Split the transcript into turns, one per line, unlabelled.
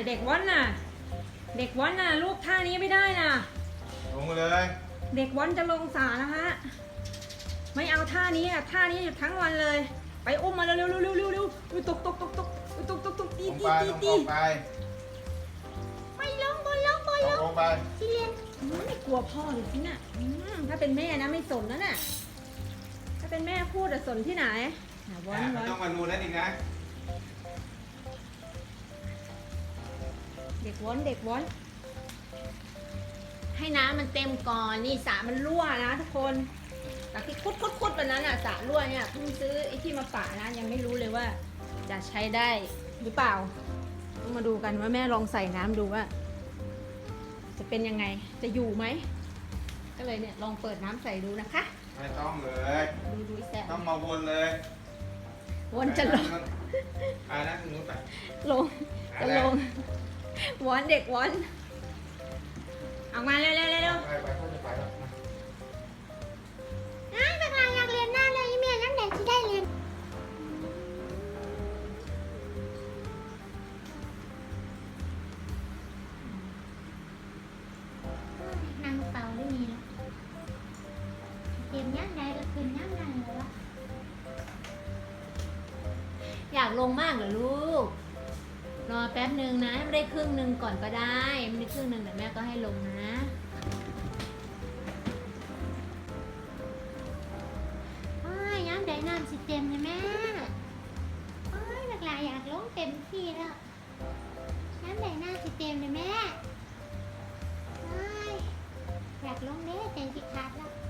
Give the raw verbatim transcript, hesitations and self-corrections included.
เด็กวัดน่ะเด็กวัดน่ะลูกท่านี้ไม่ได้น่ะ
ลงมาเลย
เด็กวัดจะลงสานะฮะไม่เอาท่านี้อ่ะท่านี้อยู่ทั้งวันเลยไปอุ้มมาเร็วเร็วเร็วเร็วเร็วเร็วตกตกตกตกตกตกตกตี
ลง
ตี
ไป
ตี
ลง
ตี
ไป
ไปลงบนลงบนลง
ลงไป
ที่เรียนไม่กลัวพ่อเลยสิน่ะถ้าเป็นแม่นะไม่สนแล้วน่ะถ้าเป็นแม่พูดจะสนที่ไหนวันวัน
ต้องมาดูนั่นอีกนะ
เด็กวนเด็กวนให้น้ำมันเต็มก่อนนี่สระมันรั่วนะทุกคนจากที่คุดคุดคุดวันนั้นอ่ะสระรั่วเนี่ยเพิ่งซื้อไอ้ที่มาปะนะยังไม่รู้เลยว่าจะใช้ได้หรือเปล่าต้องมาดูกันว่าแม่ลองใส่น้ำดูว่าจะเป็นยังไงจะอยู่ไหมก็เลยเนี่ยลองเปิดน้ำใส่ดูนะคะ
ไม่ต้องเลย
ดูดูแซ่บ
ต้องมาวนเลย
วนจะลง
อ่านั่นคือนู้นไป
ลงจะลงวอนเด็กวอนออกมาเร็วเร็วเร็ว
ไปไปเขาจะไปแล้ว
อ้าวบักลาอยากเรียนหน้าเลยอีเมียน้ำแดงที่ได้เรียนนางเป่าได้มีแล้วเตรียมย่างใดก็คืนย่างนั้นเลยวะ
อยากลงมากเหรอลูกรอแป๊บหนึ่งนะไม่ได้ครึ่งหนึ่งก่อนก็ได้ไม่ได้ครึ่งหนึ่งแต่แม่ก็ให้ลงนะ
โอ้ยย่างใดน้ำสิเต็มเลยแม่โอ้ยบักลาอยากลงเต็มที่แล้วย่างใดน้ำสิเต็มเลยแม่โอ้ยอยากลงเด้ใจสิขาดแล้ว